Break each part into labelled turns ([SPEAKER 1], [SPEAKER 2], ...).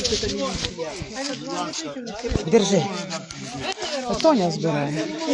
[SPEAKER 1] Держи. Тоня збирає.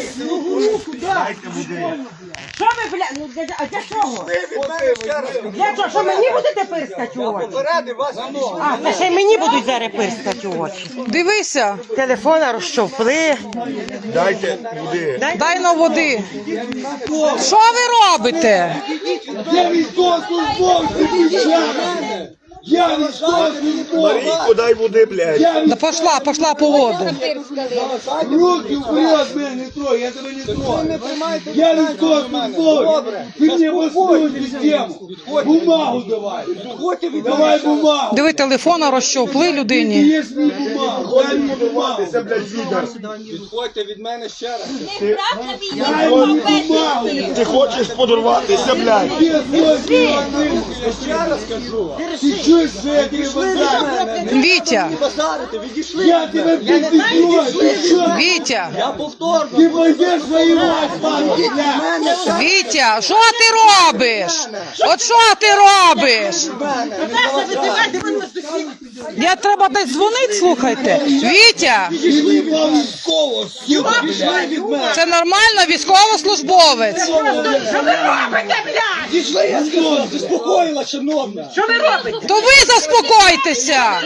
[SPEAKER 2] Що ви, бля, ну а для чого? Для чого? Що мені будете пирскати у очі? А, це ще й мені будуть зараз пирскати у очі.
[SPEAKER 1] Дивися.
[SPEAKER 2] Телефона розщовпли.
[SPEAKER 3] Дайте води.
[SPEAKER 1] Дай на води. Що ви робите?
[SPEAKER 4] Я військовослужбовець, я військовослужбовець.
[SPEAKER 3] Марійко, дай води, блядь.
[SPEAKER 1] Да пошла по воду.
[SPEAKER 4] Руки вперед, мене не трой, я тебе не трою. Я військовослужбовець. Ти мені восьму систему. Бумагу давай. Давай бумагу.
[SPEAKER 1] Диви, телефона розщовпли людині.
[SPEAKER 4] Є мені бумагу, дай мені бумагу.
[SPEAKER 5] Відходьте від мене ще раз.
[SPEAKER 4] Дай мені бумагу.
[SPEAKER 3] Ти хочеш подорватися, блядь.
[SPEAKER 4] Я
[SPEAKER 5] Ще раз кажу.
[SPEAKER 4] Ти чуєш, що я тебе базарю?
[SPEAKER 1] Вітя,
[SPEAKER 5] Базарите, відійшли.
[SPEAKER 4] Я тебе підстрою, ти що?
[SPEAKER 1] Вітя,
[SPEAKER 5] Я повторно.
[SPEAKER 4] Ти пойдеш воювати, пан,
[SPEAKER 1] Вітя, що ти робиш? От що ти робиш? Я треба десь дзвонити, слухайте. Вітя, це нормально, військовослужбовець.
[SPEAKER 2] Що ви робите, блядь?
[SPEAKER 5] Відійшли, я сказав, заспокоїла, шановна.
[SPEAKER 2] Що ви робите?
[SPEAKER 1] То ви заспокойтеся.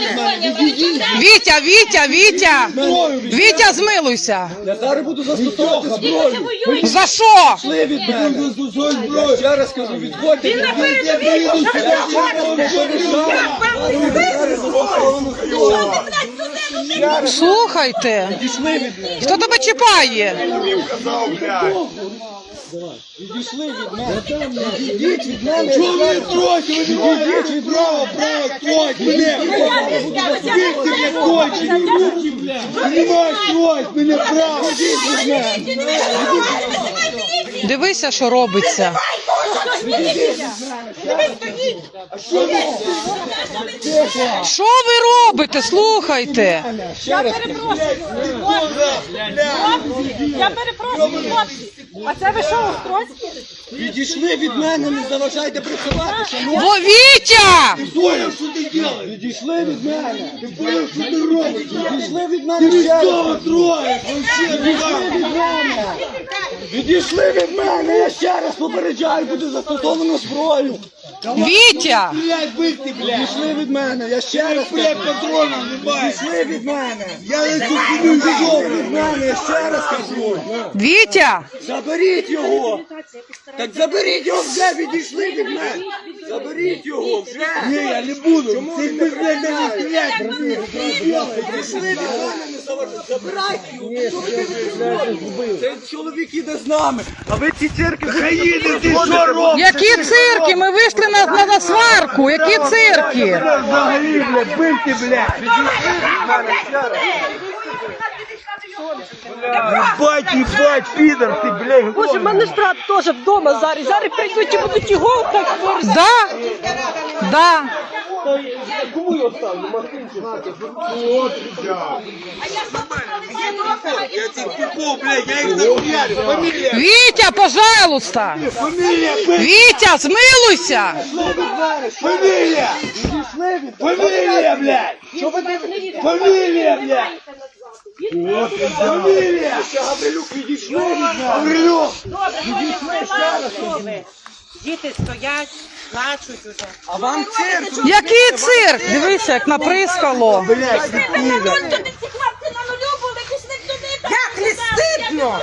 [SPEAKER 1] Вітя, Вітя, змилуйся.
[SPEAKER 5] Я зараз буду застосовувати зброю.
[SPEAKER 1] За що?
[SPEAKER 5] Відійшли від мене. Я ще раз кажу, відходьте.
[SPEAKER 2] Він на передовій, що ви робите?
[SPEAKER 1] Слухайте. Хто тебе чіпає?
[SPEAKER 3] Казав, блядь.
[SPEAKER 5] Відійшли від мене. Відійдіть від мене.
[SPEAKER 4] Чого ви тройте? Ви не маєте право, тройте мене. Бігти мене кончені руки, блядь. Ти не маєш тройти мене право.
[SPEAKER 1] Дивися, що робиться. Що ви робите? Слухайте.
[SPEAKER 2] Я перепрошую, хлопці. А це ви що, устройство?
[SPEAKER 5] Відійшли від мене, не заважайте працювати. шановні.
[SPEAKER 1] Бо Вітя!
[SPEAKER 4] Понял, що ти робиш?
[SPEAKER 5] Відійшли від мене.
[SPEAKER 4] Ти понял, що ти робиш?
[SPEAKER 5] Відійшли від
[SPEAKER 4] Ти
[SPEAKER 5] мене ще раз.
[SPEAKER 4] військово троєш, вообще,
[SPEAKER 5] Відійшли від мене, я ще раз попереджаю, буде застосовано зброю.
[SPEAKER 1] Вітя!
[SPEAKER 4] блядь, бити, блядь.
[SPEAKER 5] Відійшли від мене, я ще раз
[SPEAKER 4] Блядь, патронів немає.
[SPEAKER 5] Відійшли від мене.
[SPEAKER 4] Я на цю хуйню не
[SPEAKER 5] Відійшли від мене, я ще раз кажу.
[SPEAKER 1] Вітя!
[SPEAKER 5] Заберіть його. Так заберіть його вже, відійшли від мене. Заберіть його вже.
[SPEAKER 4] Ні, я не буду. Ти, блядь, не стріляй.
[SPEAKER 5] Відійшли від мене, не заважайте. Забирайте його. Що ви робите? Цей чоловік іде з нами. А ви ці цирки
[SPEAKER 4] Країни, ти що робиш?
[SPEAKER 1] Які цирки? Ми вийшли на сварку. Які цирки?
[SPEAKER 4] Взагалі, блядь, бити, блядь. Ебать, підар, ти, блядь.
[SPEAKER 2] Боже, в мене ж брат теж вдома зараз. Зараз прийдуть і будуть його так борзати.
[SPEAKER 1] Да.
[SPEAKER 4] Я цих типов, блядь, я їх нахуярю. Фамілія,
[SPEAKER 1] Вітя, пожалуйста!
[SPEAKER 4] фамілія, блядь,
[SPEAKER 1] Вітя, змилуйся!
[SPEAKER 4] фамілія. Фамілія, блядь. Фамілія, блядь. Фамілія.
[SPEAKER 5] Гаврилюк відійшли від мене.
[SPEAKER 4] Гаврилюк.
[SPEAKER 2] Діти стоять, плачуть уже.
[SPEAKER 5] А вам цирк.
[SPEAKER 1] Який цирк? Дивися, як наприскало.
[SPEAKER 4] Блядь, ти підар.
[SPEAKER 2] Як не стидно?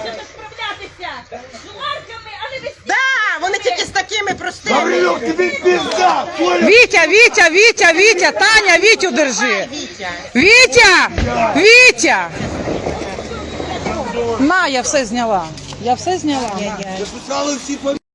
[SPEAKER 2] Да, вони тільки з такими простими.
[SPEAKER 4] Гаврилюк, тобі пизда. Понял?
[SPEAKER 1] Вітя, Таня, Вітю держи. Вітя! На, я все зняла.
[SPEAKER 4] Записали всі фамілії.